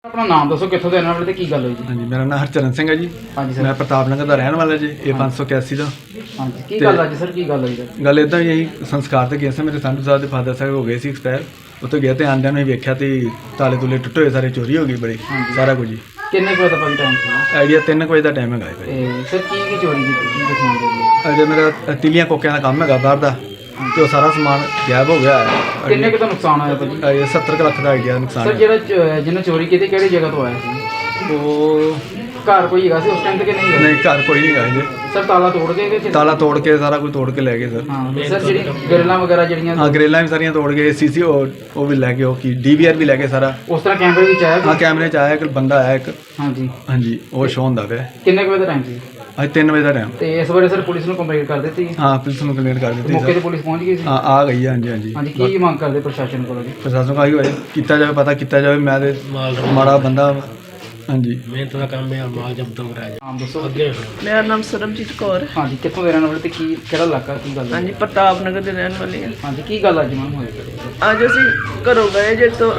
अपना नाम दसो कितों के रहने वाले ते की गल हुई जी? हाँ जी, मेरा नाम हरचरण सिंह है जी। हाँ जी सर। मैं प्रताप नगर का रहने वाला जी। ये 581 का हाँ जी की गल अज सर की गल हुई सर? गल इदा यही संस्कार तो गए थे मेरे संधू साहब के फादर साहब हो गए सी एक्सपायर। उत्थे गया तो आंदिया ही वेख्या तो ताले तुले टुटे हुए सारे चोरी हो गई बड़ी सारा कुछ जी। किन्ने को भाई टाइम ਸੀ? आइडिया 3 बजे का टाइम है ਤੇ ਸਰ ਕੀ ਚੋਰੀ ਕੀਤੀ ਕੀ ਦੱਸਣਾ ਚਾਹੁੰਦੇ? अजे मेरा तिलियां कोकिया का काम है बाहर का तो सारा समान गायब हो गया है। ਕਿੰਨੇ ਕੁ ਦਾ ਨੁਕਸਾਨ ਆਇਆ ਭਾਜੀ? ये 70 लाख का आइडिया नुकसान ਸਰ है। ਜਿਹੜਾ ਜਿਹਨੇ ਚੋਰੀ ਕੀਤੀ ਕਿਹੜੀ ਜਗ੍ਹਾ ਤੋਂ ਆਇਆ ਸੀ? वो ਘਰ ਕੋਈ ਹੈਗਾ ਸੀ ਉਸ ਟਾਈਮ ਤੇ ਕਿ ਨਹੀਂ? नहीं घर कोई नहीं गए जी। ਸਰ ਤਾਲਾ ਤੋੜ ਕੇ ਕਿ ताला तोड़ के सारा कुछ तोड़ के ले गए सर। ਹਾਂ ਸਰ ਜਿਹੜੀ ਗਰਲਾਂ ਵਗੈਰਾ ਜਿਹੜੀਆਂ हाँ ग्रेलां भी सारियां तोड़ गए सीसी वो भी ले गए वो की DVR भी ले गए सारा। ਉਸ ਤਰ੍ਹਾਂ ਕੈਮਰੇ ਵਿੱਚ ਆਇਆ हाँ कैमरे च आया एक बंदा आया एक। ਹਾਂਜੀ हाँ जी वो शो होंदा पे ਕਿੰਨੇ ਕੁ ਵਜੇ ਦਾ ਟਾਈਮ ਸੀ? आज 3 बजे का टाइम। ਤੇ ਇਸ ਬਾਰੇ ਸਰ ਪੁਲਿਸ ਨੂੰ ਕੰਪਲੇਂਟ ਕਰ ਦਿੱਤੀ? हाँ पुलिस ने कंप्लेंट कर दी ਮੌਕੇ ਤੇ सर। ਪੁਲਿਸ ਪਹੁੰਚ ਗਈ ਸੀ? हाँ आ गई है। हाँ जी हाँ जी। ਹਾਂਜੀ ਕੀ ਮੰਗ ਕਰਦੇ ਪ੍ਰਸ਼ਾਸਨ ਕੋਲੋਂ ਜੀ? प्रशासन का ही किया जाए पता किया जाए मैं ते माड़ा बंदा। हाँ जी ਮਿਹਨਤ ਦਾ ਕੰਮ ਹੈ ਮਾਲ ਜਬਤੋਂ ਕਰਾਇਆ ਨਾਮ ਦੱਸੋ। ਅੱਗੇ ਮੇਰਾ ਨਾਮ ਸਰਬਜੀਤ ਕੌਰ। ਹਾਂਜੀ ਕਿੱਥੋਂ ਦੇ ਰਹਿਣ ਵਾਲੇ ਤੇ ਕੀ ਕਿਹੜਾ ਇਲਾਕਾ ਕੀ ਗੱਲ ਹੈ? ਹਾਂਜੀ ਪ੍ਰਤਾਪ ਨਗਰ ਦੇ ਰਹਿਣ ਵਾਲੀ ਹਾਂ। ਹਾਂਜੀ ਕੀ ਗੱਲ ਅੱਜ ਮੈਮ ਹੋਈ? ਅੱਜ ਅਸੀਂ ਘਰੋਂ ਗਏ ਜੇ ਤੋਂ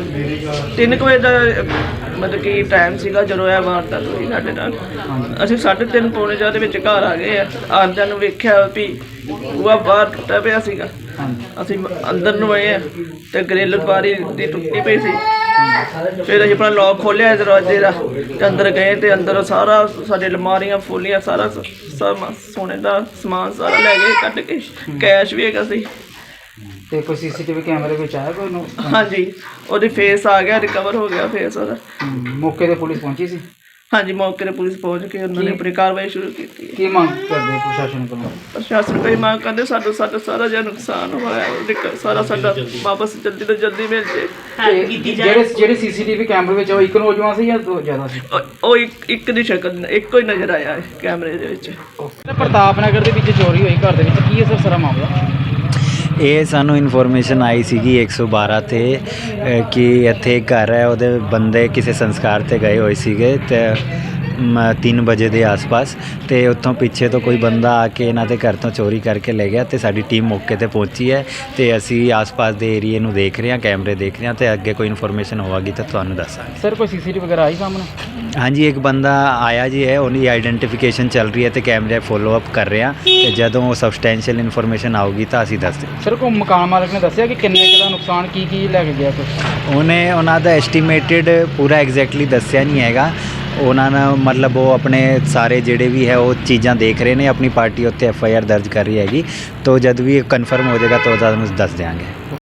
3 ਵਜੇ ਦਾ ਮਤਲਬ ਕਿ ਟਾਈਮ ਸੀਗਾ ਜਦੋਂ ਇਹ ਵਾਰਦਾਤ ਹੋਈ ਸਾਡੇ ਨਾਲ। ਅਸੀਂ 3:30 ਪੌਣੇ 4 ਦੇ ਵਿੱਚ ਘਰ ਆ ਗਏ ਆ। ਆਉਂਦਿਆਂ ਨੂੰ ਵੇਖਿਆ ਵੀ ਬੂਹਾ ਬਾਹਰ ਟੁੱਟਾ ਪਿਆ ਸੀਗਾ। ਹਾਂਜੀ ਅਸੀਂ ਅੰਦਰ ਨੂੰ ਆਏ ਆ ਤੇ ਗ੍ਰਿਲ ਬਾਰੀ ਦੀ ਟੁੱਟੀ ਪਈ ਸੀ। ਫਿਰ ਅਸੀਂ ਆਪਣਾ ਲੌਕ ਖੋਲ੍ਹਿਆ ਦਰਵਾਜ਼ੇ ਦਾ ਤੇ ਅੰਦਰ ਗਏ ਤੇ ਅੰਦਰ ਸਾਰਾ ਸਾਡੇ ਅਲਮਾਰੀਆਂ ਫੁੱਲੀਆਂ ਸਾਰਾ ਸੋਨੇ ਦਾ ਸਮਾਨ ਸਾਰਾ ਲੈ ਗਏ ਕੱਢ ਕੇ। ਕੈਸ਼ ਵੀ ਹੈਗਾ ਸੀ। ਤੇ ਕੋਈ ਸੀਸੀਟੀਵੀ ਕੈਮਰੇ ਵਿੱਚ ਆਇਆ ਕੋਈ ਨੂੰ? ਹਾਂਜੀ ਉਹਦੇ ਫੇਸ ਆ ਗਿਆ ਰਿਕਵਰ ਹੋ ਗਿਆ ਫੇਸ ਉਹਦਾ। ਮੌਕੇ ਤੇ ਪੁਲਿਸ ਪਹੁੰਚੀ ਸੀ? ਹਾਂਜੀ ਮੌਕੇ 'ਤੇ ਪੁਲਿਸ ਪਹੁੰਚ ਕੇ ਉਹਨਾਂ ਨੇ ਆਪਣੀ ਕਾਰਵਾਈ ਸ਼ੁਰੂ ਕੀਤੀ ਹੈ। ਕੀ ਮੰਗ ਕਰਦੇ ਪ੍ਰਸ਼ਾਸਨ ਕੋਲੋਂ? ਪ੍ਰਸ਼ਾਸਨ ਕੋਈ ਮੰਗ ਕਰਦੇ ਸਾਡਾ ਸਾਰਾ ਜਿਹਾ ਨੁਕਸਾਨ ਹੋਇਆ ਸਾਰਾ ਸਾਡਾ ਵਾਪਸ ਜਲਦੀ ਤੋਂ ਜਲਦੀ ਮਿਲ ਜੇ। ਤੇ ਜਿਹੜੇ ਸੀਸੀਟੀਵੀ ਕੈਮਰੇ ਵਿੱਚ ਉਹ ਇੱਕ ਨੌਜਵਾਨ ਸੀ ਜਾਂ ਦੋ ਜ਼ਿਆਦਾ ਸੀ? ਉਹ ਇੱਕ ਦੀ ਸ਼ਕਲ ਇੱਕੋ ਹੀ ਨਜ਼ਰ ਆਇਆ ਹੈ ਕੈਮਰੇ ਦੇ ਵਿੱਚ। ਪ੍ਰਤਾਪ ਨਗਰ ਦੇ ਵਿੱਚ ਚੋਰੀ ਹੋਈ ਘਰ ਦੇ ਵਿੱਚ ਕੀ ਹੈ ਸਰ ਸਾਰਾ ਮਾਮਲਾ? ਇਹ ਸਾਨੂੰ ਇਨਫੋਰਮੇਸ਼ਨ ਆਈ ਸੀਗੀ 112 ਤੇ ਕਿ ਇੱਥੇ ਇੱਕ ਘਰ ਹੈ ਉਹਦੇ ਬੰਦੇ ਕਿਸੇ ਸੰਸਕਾਰ ਤੇ ਗਏ ਹੋਏ ਸੀਗੇ ਤੇ 3 ਵਜੇ ਦੇ ਆਸ-ਪਾਸ ਤੇ ਉੱਥੋਂ ਪਿੱਛੇ ਤੋਂ ਕੋਈ ਬੰਦਾ ਆ ਕੇ ਇਹਨਾਂ ਦੇ ਘਰ ਤੋਂ ਚੋਰੀ ਕਰਕੇ ਲੈ ਗਿਆ ਤੇ ਸਾਡੀ ਟੀਮ ਮੌਕੇ ਤੇ ਪਹੁੰਚੀ ਹੈ ਤੇ ਅਸੀਂ ਆਸ-ਪਾਸ ਦੇ ਏਰੀਏ ਨੂੰ ਦੇਖ ਰਹੇ ਹਾਂ, ਕੈਮਰੇ ਦੇਖ ਰਹੇ ਹਾਂ ਤੇ ਅੱਗੇ ਕੋਈ ਇਨਫੋਰਮੇਸ਼ਨ ਹੋਵੇਗੀ ਤਾਂ ਤੁਹਾਨੂੰ ਦੱਸਾਂਗੇ। ਸਰ ਕੋਈ ਸੀਸੀਟੀਵੀ ਵਗੈਰਾ ਆਈ ਸਾਹਮਣੇ? ਹਾਂਜੀ ਇੱਕ ਬੰਦਾ ਆਇਆ ਜੀ ਹੈ, ਉਹਦੀ ਆਈਡੈਂਟੀਫਿਕੇਸ਼ਨ ਚੱਲ ਰਹੀ ਹੈ ਤੇ ਕੈਮਰੇ ਫੋਲੋ ਅਪ ਕਰ ਰਹੇ ਹਾਂ ਤੇ ਜਦੋਂ ਉਹ ਸਬਸਟੈਂਸ਼ੀਅਲ ਇਨਫੋਰਮੇਸ਼ਨ ਆਊਗੀ ਤਾਂ ਅਸੀਂ ਦੱਸ ਦਿਆਂਗੇ। ਸਰ ਕੋਈ ਮਕਾਨ ਮਾਲਕ ਨੇ ਦੱਸਿਆ ਕਿ ਕਿੰਨੇ ਕੁ ਦਾ ਨੁਕਸਾਨ ਕੀ ਲੈ ਕੇ ਗਿਆ ਕੁਛ? ਉਹਨਾਂ ਦਾ ਐਸਟੀਮੇਟਡ ਪੂਰਾ ਐਗਜ਼ੈਕਟਲੀ ਦੱਸਿਆ ਨਹੀਂ ਹੈਗਾ। ਉਹਨਾਂ ਨੇ ਮਤਲਬ ਉਹ ਆਪਣੇ ਸਾਰੇ ਜਿਹੜੇ ਵੀ ਹੈ ਉਹ ਚੀਜ਼ਾਂ ਦੇਖ ਰਹੇ ਨੇ। ਆਪਣੀ ਪਾਰਟੀ ਉੱਤੇ FIR ਦਰਜ ਕਰ ਰਹੀ ਹੈਗੀ ਤਾਂ ਜਦ ਵੀ ਕਨਫਰਮ ਹੋ ਜਾਏਗਾ ਤਾਂ ਤੁਹਾਨੂੰ ਦੱਸ ਦਿਆਂਗੇ।